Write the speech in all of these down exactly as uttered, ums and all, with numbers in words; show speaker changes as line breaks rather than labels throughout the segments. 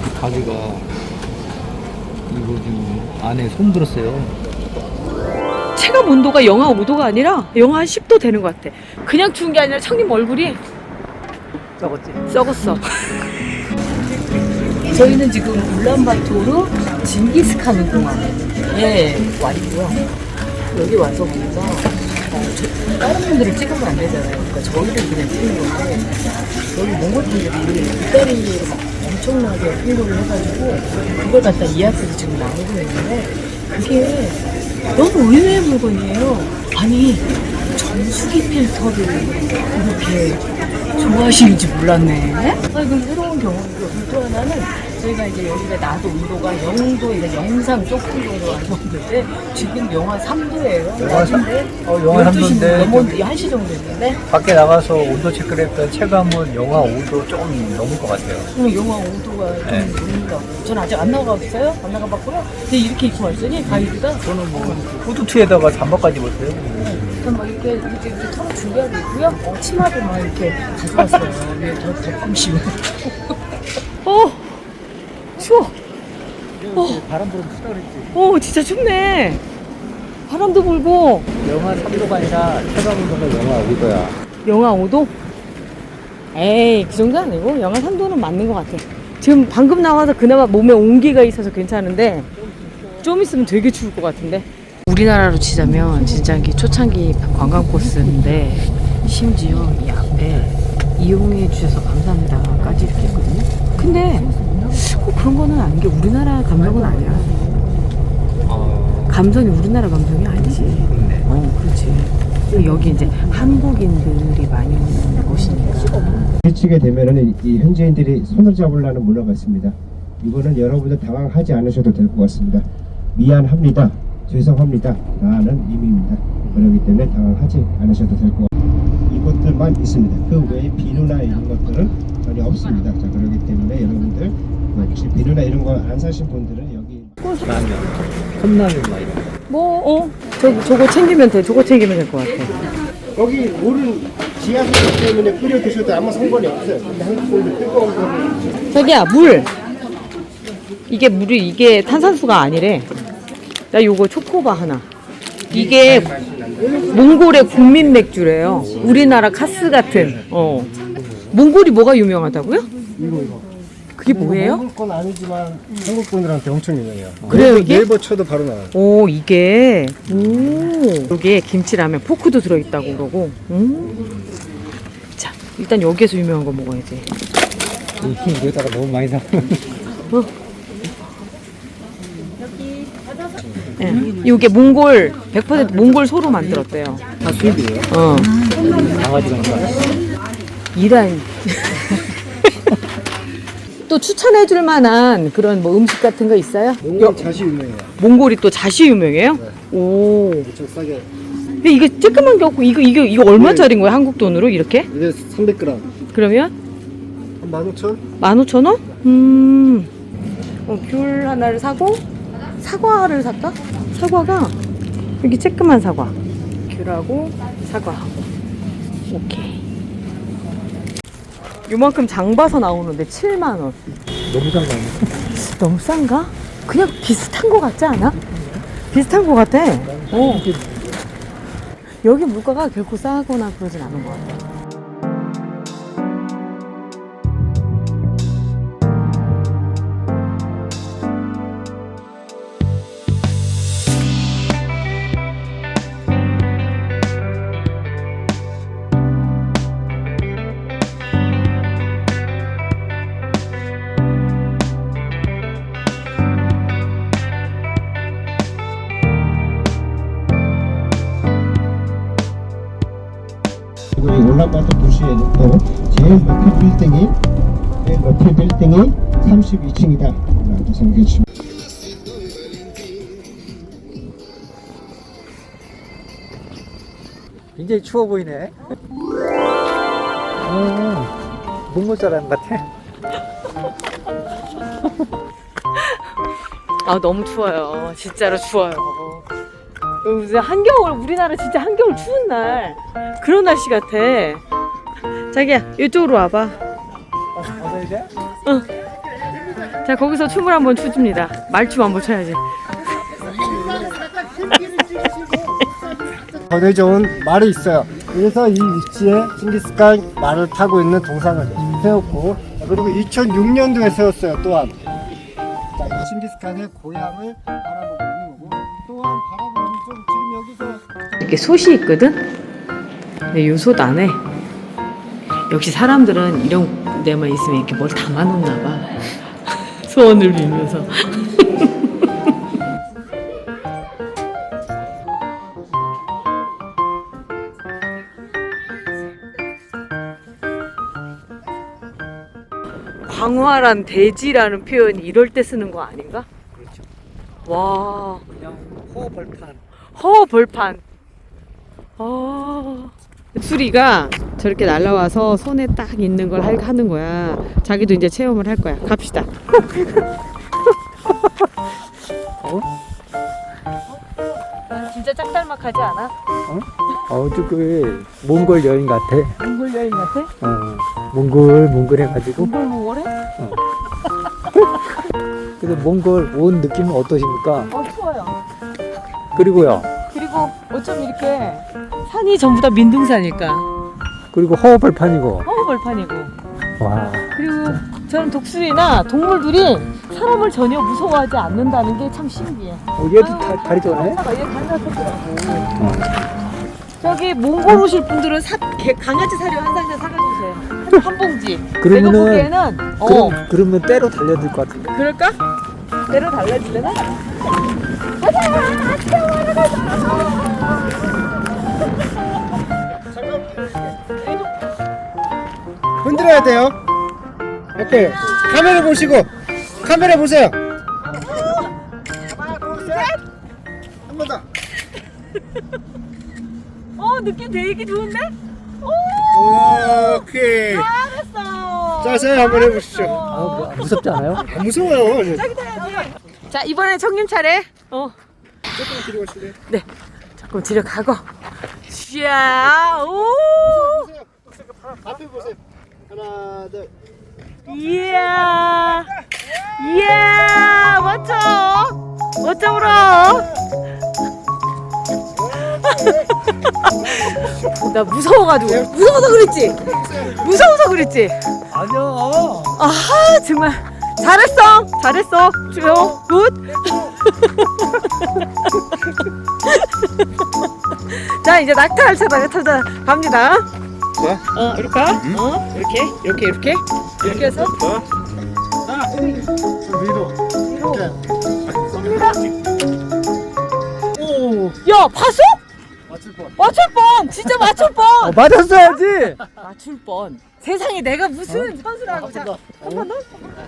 가지가 이거 지금 안에 손 들었어요.
체감 온도가 영하 오 도가 아니라 영하 한 십 도 되는 것 같아. 그냥 추운 게 아니라 청님 얼굴이
썩었지?
썩었어. 저희는 지금 울란바토르 징기스칸 공항에 와 있고요. 여기 와서 보니까 어, 저, 다른 분들을 찍으면 안 되잖아요. 그러니까 저희를 그냥 찍는 건데 여기 몽골 분들이 이따리로 막 엄청나게 홍보를 해가지고 그걸 갖다 이야기를 지금 나오고 있는데 그게 너무 의외의 물건이에요. 아니 정수기 필터를 이렇게 좋아하시는지 몰랐네. 아, 이건 새로운 경험이고 또 하나는 저희가 이제 여기가 낮 온도가 영 도, 이제 영상 조금 정도 왔는데 지금 영하 삼 도예요.
영하 삼? 어, 영하 삼 도인데
넘었는데 한 시 정도 됐는데
밖에 나가서 온도 체크를 했던 체감은 영하 오 도 조금 넘을 것 같아요.
그럼 영하 오 도가
네.
좀 넘는다고. 전 아직 안 나가봤어요. 안 나가봤고요. 근데 이렇게 입고 왔으니 가이드가
저는 뭐 후드티에다가 잠바까지 입었어요.
그럼 막 이렇게 이렇게, 이렇게 털어 준비하고 있고요. 어, 치마도 막 이렇게 가져왔어요. 위에 더 덮음씌워. 어, 추워. 어.
바람 불어서 춥다 그랬지.
어, 진짜 춥네. 바람도 불고.
영하 삼 도가 아니라 체감 온도가 영하 오 도야.
영하 오 도? 에이, 그 정도 아니고 영하 삼 도는 맞는 것 같아. 지금 방금 나와서 그나마 몸에 온기가 있어서 괜찮은데 좀 있으면 되게 추울 것 같은데. 우리나라로 치자면 진짜 이게 초창기 관광 코스인데 심지어 이 앞에 이용해 주셔서 감사합니다까지 이렇게 있거든요. 근데 꼭 그런 거는 아닌 게 우리나라 감성은 아니야.
어...
감성이 우리나라 감성이 아니지.
그렇네.
어, 그렇지. 여기 이제 한국인들이 많이 오는 곳이니까.
일찍에 되면은 이 현지인들이 손을 잡으려는 문화가 있습니다. 이거는 여러분들 당황하지 않으셔도 될 것 같습니다. 미안합니다. 죄송합니다 라는 의미입니다. 그렇기 때문에 당황하지 않으셔도 될 것 같습니다. 이것들만 있습니다. 그 외에 비누나 이런 것들은 전혀 없습니다. 자, 그렇기 때문에 여러분들 혹시 비누나 이런 거 안 사신 분들은 여기
라면, 컵라면 막 이런 거.
뭐, 어? 저, 저거 챙기면 돼. 저거 챙기면 될 것 같아.
여기 물은 지하수 때문에 끓여 드셔도 아무 상관이 없어요. 근데 한국 분들 뜨거운 거를
자기야, 물! 이게 물이, 이게 탄산수가 아니래. 나 요거 초코바 하나. 이게 몽골의 국민 맥주래요. 우리나라 카스 같은. 어. 몽골이 뭐가 유명하다고요?
이거 이거.
그게 뭐예요?
한국 건 아니지만 한국 분들한테 엄청 유명해요.
그래요, 이게?
네이버 쳐도 바로 나와요.
오, 이게. 오. 여기에 김치라면 포크도 들어있다고 그러고. 음. 자, 일단 여기에서 유명한 거 먹어야지.
여기다가 너무 많이 사.
어. 예. 이게 몽골 백 퍼센트 몽골 소로 만들었대요.
다 수입이에요.
어.
강아지가 있나?
이란. 또 추천해줄 만한 그런 뭐 음식 같은 거 있어요?
몽골 자시 유명해요.
몽골이 또 자시 유명해요?
네.
오.
엄청 싸게.
근데 이거 쬐끄만 게 없고 이거 이거 이거 얼마짜리인 거예요? 한국 돈으로 이렇게?
이게 삼백 그램.
그러면
한 만 오천?
만 오천 원? 음. 어, 귤 하나를 사고 사과를 살까? 사과가 여기 쬐끄만 사과. 귤하고 사과하고. 오케이. 요만큼 장 봐서 나오는데 칠만 원.
너무 싼 거 아니야?
너무 싼가? 그냥 비슷한 거 같지 않아? 비슷한 거 같아. 어. 여기 물가가 결코 싸거나 그러진 않은 것 같아.
이 울란바토 도시에는 제일 높이 빌딩이 제일 높이 빌딩이 삼십이 층이다 라고 생각해 주시면
굉장히 추워 보이네. 오, 몽골 사람 같아.
아, 너무 추워요. 진짜로 추워요. 무슨 한겨울, 우리나라 진짜 한겨울 추운 날 그런 날씨 같아. 자기야, 이쪽으로 와봐.
어서 이제?
응. 자, 거기서 춤을 한번 추줍니다. 말춤 한번 춰야지.
거대 좋은 말이 있어요. 그래서 이 위치에 징기스칸 말을 타고 있는 동상을 세웠고, 그리고 이천육 년도에 세웠어요. 또한 자, 이 징기스칸의 고향을 바라보고 있는 거고, 또한 바라보면 좀 지금 여기서
이렇게 솥이 있거든? 근데 이 솥 안에 역시 사람들은 이런 데만 있으면 이렇게 뭘 담아놓나 봐. 소원을 빌면서. 광활한 대지라는 표현이 이럴 때 쓰는 거 아닌가?
그렇죠.
와,
그냥 호벌판.
허벌판. 아, 수리가 저렇게 날라와서 손에 딱 있는 걸 할- 하는 거야. 자기도 이제 체험을 할 거야. 갑시다.
어?
진짜 짝달막하지 않아?
어, 저그 몽골 여행 같아.
몽골 여행 같아?
어, 몽골 몽골 해가지고.
몽골 몽골해?
근데 몽골 온 느낌은 어떠십니까?
어, 좋아요.
그리고요.
그리고 어쩜 이렇게 산이 전부 다 민둥산일까?
그리고 허벌판이고.
허벌판이고.
와.
그리고 저런 독수리나 동물들이 사람을 전혀 무서워하지 않는다는 게 참 신기해.
어, 얘도 다, 다리 좋네.
하나가 얘 강아지더라고.
어.
저기 몽골 오실 분들은 사, 개, 강아지 사료 한 상자 사가주세요. 한, 한 봉지.
그러면은-
내가 보기에는 어
그럼, 그러면 때로 달려들 것 같은데.
그럴까? 내려 달라질래나?
흔들어야 돼요. 오케이. 카메라 보시고, 카메라 보세요. 하나, 둘, 셋. 한 번 더.
어 느낌 되게 좋은데? 오
오케이.
잘했어.
자세 한번 해보십시오.
아, 뭐, 무섭지 않아요?
안 무서워요.
저기 타야지. 자 이번엔 청님 차례. 어
조금 뒤로 가실래요?
네. 조금 뒤로 가고. 샤 오.
보세요. 앞에 보세요. 하나, 둘.
이야 이야 멋져 멋져 울어. 나 무서워가지고 무서워서 그랬지 무서워서 그랬지.
아니야.
아 정말 잘했어 잘했어 주요 굿. 자 이제 낙타를 타다가 타다 갑니다.
자.
어 이렇게 어 이렇게 이렇게 이렇게 이렇게 해서
자, 위로. 이렇게. 오,
야 봤어?
맞출 뻔.
맞출 뻔 진짜 맞출
어,
뻔
맞았어야지.
맞출 뻔 세상에 내가 무슨 선수라고. 자,
더.
한 번 더?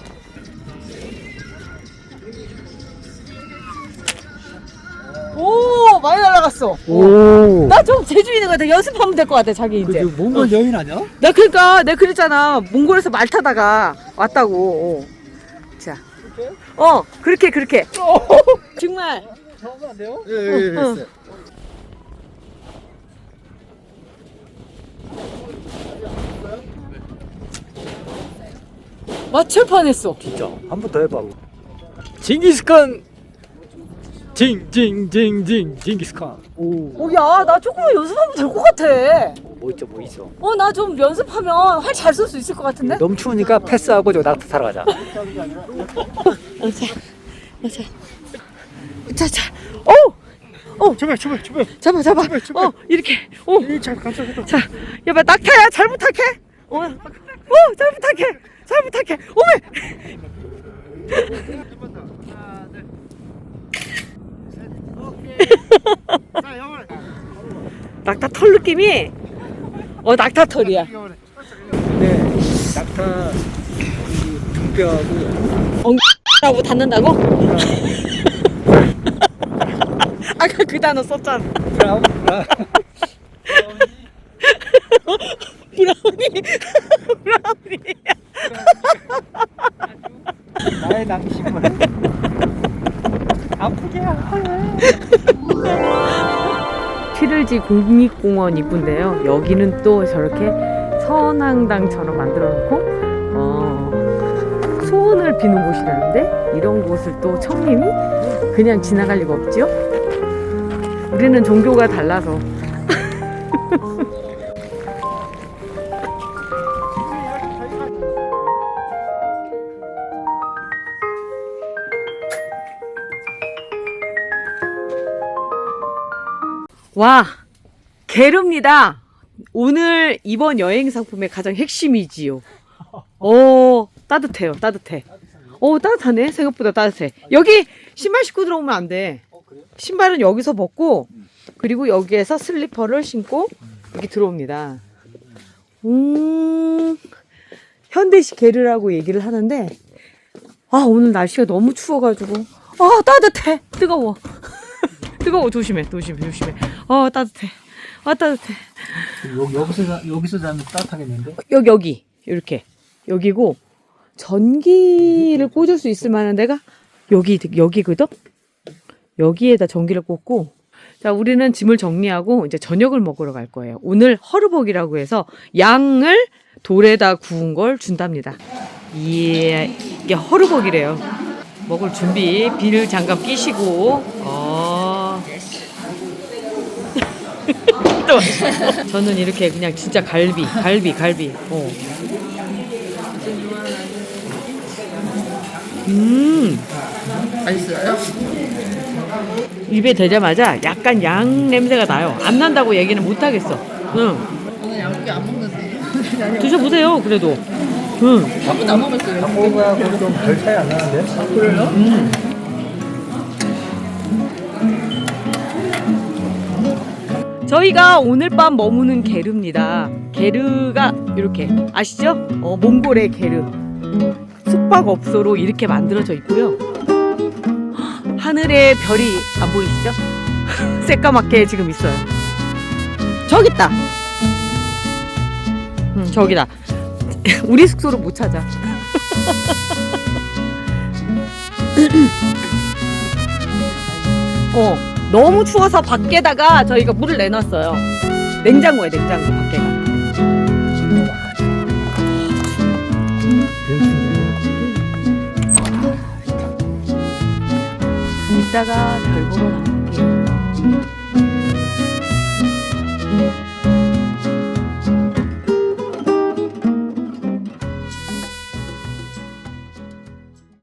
오 많이 날아갔어.
오.
나 좀 재주 있는 것 같아. 연습하면 될 것 같아 자기 이제.
그 몽골 여인 아니야?
나 그러니까 내가 그랬잖아. 몽골에서 말 타다가 왔다고. 어. 자, 어 그렇게 그렇게. 정말.
잡으면 안 돼요? 예, 예, 예.
응.
됐어요.
맞출 뻔했어.
진짜. 한 번 더 해봐. 징기스칸. 징징징징 징기스칸. 오.
어, 야, 나 조금만 연습하면 될 것 같아.
뭐 있죠, 뭐 있어.
어, 나 좀 연습하면 활 잘 쏠 수 있을 것 같은데?
너무 추우니까 패스하고 저 낙타 타러 가자.
어, 자, 어, 자, 자, 자, 어, 어,
출발, 출발, 출발.
잡아, 잡아,
출발, 출발.
어, 이렇게, 어,
이, 잘 감싸겠다.
자, 야봐, 낙타야, 잘 부탁해. 어, 어, 잘 부탁해, 잘 부탁해. 오메.
자, 영원해.
낙타 털 느낌이, 어, 낙타 털이야.
영원해.
네. 낙타 이 등뼈하고
라고 닫는다고? 아까 그 단어 썼잖아.
브라운 브라운.
브라우니, 브라우니.
나의 낭심을 아프게 아파요.
피를지 국립공원 이쁜데요. 여기는 또 저렇게 선앙당처럼 만들어 놓고 어, 소원을 꽃을 피는 곳이라는데 이런 곳을 또 청님이 그냥 지나갈 리가 없죠? 우리는 종교가 달라서. 와, 게르입니다. 오늘 이번 여행 상품의 가장 핵심이지요. 오, 따뜻해요, 따뜻해. 오, 따뜻하네. 생각보다 따뜻해. 여기 신발 신고 들어오면 안 돼. 신발은 여기서 벗고, 그리고 여기에서 슬리퍼를 신고 여기 들어옵니다. 음, 현대식 게르라고 얘기를 하는데, 아, 오늘 날씨가 너무 추워가지고, 아, 따뜻해. 뜨거워. 뜨거워. 조심해, 조심해, 조심해. 어, 따뜻해. 아, 따뜻해.
여, 여기서 자- 여기서 자면 따뜻하겠는데?
여기, 여기. 이렇게. 여기고, 전기를 꽂을 수 있을 만한 데가 여기, 여기거든? 여기에다 전기를 꽂고, 자, 우리는 짐을 정리하고 이제 저녁을 먹으러 갈 거예요. 오늘 허르벅이라고 해서 양을 돌에다 구운 걸 준답니다. 예, 이게 허르벅이래요. 먹을 준비, 비닐 장갑 끼시고, 어. 또 맛있어. 저는 이렇게 그냥 진짜 갈비, 갈비, 갈비. 어. 음.
맛있어요?
입에 대자마자 약간 양 냄새가 나요. 안 난다고 얘기는 못 하겠어. 응.
오늘 양고기 안 먹는데.
드셔보세요. 그래도. 응.
아무도 안 먹었어요.
닭고기하고 좀 별 차이 안 나는데?
그래요?
음. 저희가 오늘 밤 머무는 게르입니다. 게르가 이렇게 아시죠? 어, 몽골의 게르. 숙박업소로 이렇게 만들어져 있고요. 하늘에 별이 안 보이시죠? 새까맣게 지금 있어요. 저기 있다. 응, 저기다. 우리 숙소를 못 찾아. 어, 너무 추워서 밖에다가 저희가 물을 내놨어요. 냉장고에 냉장고 밖에가. 이따가 별 보러 나갈게요.